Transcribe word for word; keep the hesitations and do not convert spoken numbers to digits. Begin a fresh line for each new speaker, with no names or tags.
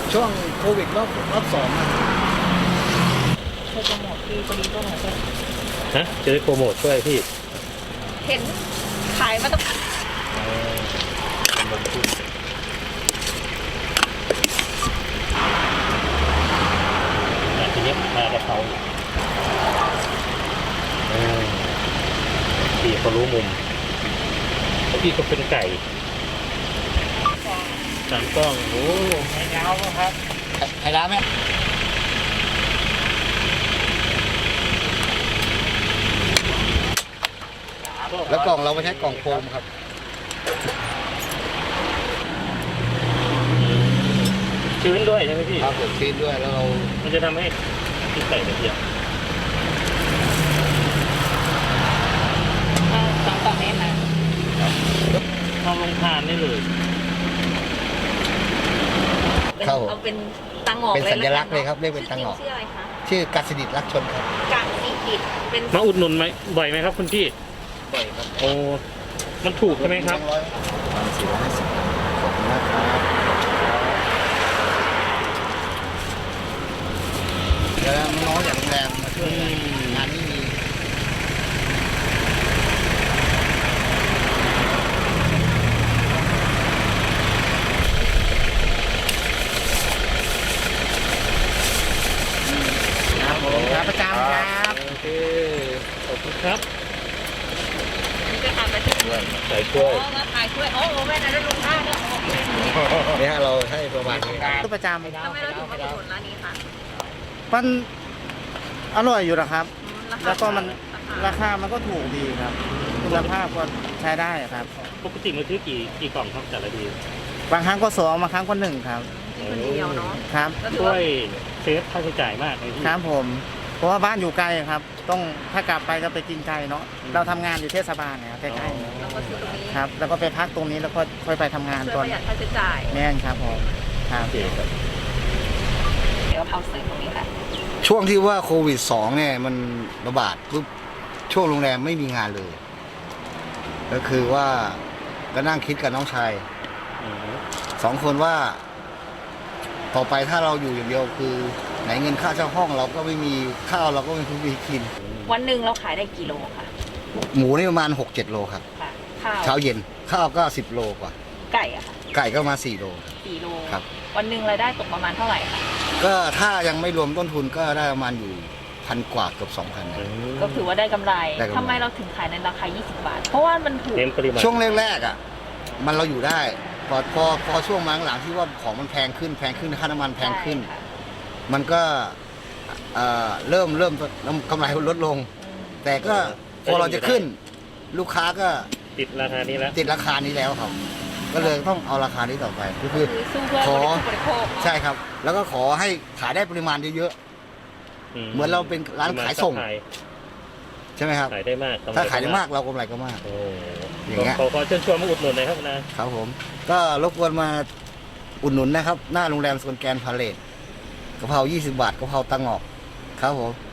ช่วงโควิดรอบรอบสองอะ
โปรโมทที่จะดีก็หน่อยก็
ฮะจะได้โปรโมทช่วยพี่
เห็นขายมาตั้ง
ลงทุนอ่ะทีนี้มากระเพราเออพี่เขารู้มุมแล้วพี่ก็เป็นไก่สามกล้องโอ้ไข่ดาวครับ
ไข่ดาวไหมแล้วกล่องเราไม่ใช้กล่องโฟมครับ
ชื้นด้วยใช่ไหมพี่
ครับผมชื้นด้วยแล้วเรา
มันจะทำให้พี่ไก่ละเอียด
สองกล่องนี้นะ
ทำลงทานได้เลย
เข้า
เอาเป็นตังหงอก
เป็นสัญลักษณ์เลยครับเรียกเป็นตังหงอก
ชื่ออะไรคะ
ชื่อกัสดิตรักชนครับ
กะสีดิดเป็น
มาอุดหนุนไหมบ่อยไหมครับคุณพี่
บ่อยครับ
โอ้มันถูกใช่ไหมครับ
ร้อยสี่ร้อยห้าสิบขอบคุณมากครับเดี๋ยวน้องๆจากโรงแรมมาช่วยกันงานนี้มี ครับผมครับประจำครับ
โอเคขอบคุณครับ
นี่ไปทานไปที่
ด้วย
ใส่
โอ้
ช่วย
มาขายช่วยโอ้โหแม่นั้นลุงท่าเนี่ยโอเค
นี่ฮะเราให้ประมาณนี้ครับ
ก็ประจ
ทำไมเราถึงมาอุดหนุนร้านนี้คะ
ำมันอร่อยอยู่นะครับ
ราคา
แล้วก็มัน
รา
รา
คา
คามันก็ถูกดีครับ คุณภาพก็ใช้ได้ครับ
ปกติมันซื้อกี่กี่กล่องครับแต่ละที
บางครั้งก็สองบางครั้งก็หนึ่งครับ
คนเดียวเนาะ
ครับ
ก็ถือ
ช่ว
ว่าย
เซฟค่าใช้จ่ายมากเลยพี่
ครับผม เพราะว่าบ้านอยู่ไกลครับ ต้องถ้ากลับไปก็ไปกินไกลเนาะ เราทำงานอยู่เทศบาลเนี่ยใกล้ๆเนี่ย
เราก็ซื้อตรงนี้
ครับ แล้วก็ไปพักตรงนี้แล้วก็ค่อยไปทำงาน
ช่วย
ตอน
ประหยัดค่าใช้จ่าย
แน่นครับผมครับ
โอเคครับ
เดี๋ยวเอาใส่ตรงนี้ค่ะ
ช่วงที่ว่าโควิดสองเนี่ยมันระบาดปุ๊บช่วงโรงแรมไม่มีงานเลย ก็คือว่าก็นั่งคิดกับน้องชาย
อืม
สองคนว่า ต่อไปถ้าเราอยู่อย่างเดียวคือไหนเงินค่าเช่าห้องเราก็ไม่มีข้าวเราก็ไม่มีกิน
วันหนึ่งเราขายได้กี่โลคะ
หมูนี่ประมาณหกเจ็ดโลครับ
ค่ะข้าว
เช้าเย็นข้าวก็สิบโลกว่า
ไก่อะค่ะ
ไก่ก็มาสี่โล
สี่โล
ครับ
วันหนึ่งรายได้ตกประมาณเท่าไหร่คะ
ก็ถ้ายังไม่รวมต้นทุนก็ได้ประมาณอยู่พันกว่าเกือบสองพัน
อืม
ก็ถือว่าได้กำไร
ได้กำไร
ทำไมเราถึงขายในราคา ยี่สิบบาท เพราะว่ามันถูก
เน้นปริมาณ
ช่วงแรกๆอ่ะ มันเราอยู่ได้ พอพอพอช่วงมาหลังๆที่ว่าของมันแพงขึ้นแพงขึ้นค่าน้ำมันแพงขึ้น
ใช่ค่ะ
มันก็เอ่อเริ่มเริ่มกำไรลดลง
อืม
แต่ก็พอเราจะขึ้น ลูกค้าก็
ติดราคานี้แล้ว
ติดราคานี้แล้วครับ ก็เลยต้องเอาราคานี้ต่อไปก็คือ
คือสู้เพื่อ
ขอ
บริโภค
ใช่ครับ แล้วก็ขอให้ขายได้ปริมาณเยอะๆเหมือนเราเป็นร้านขายส่ง ใช่ไหมครับ
ขายได้มากกำร
ถ้าขายได้มากเรากำไรก็มาก
โอ้
อย่างเงี้ย
ขอขอเชิญชวนมาอุดหนุนหน่อยครับนะ
ครับผม ก็รบกวนมาอุดหนุนนะครับ หน้าโรงแรมสวนแกรนด์พาเลทกะเพรายี่สิบบาทกะเพราตังหงอกครับผม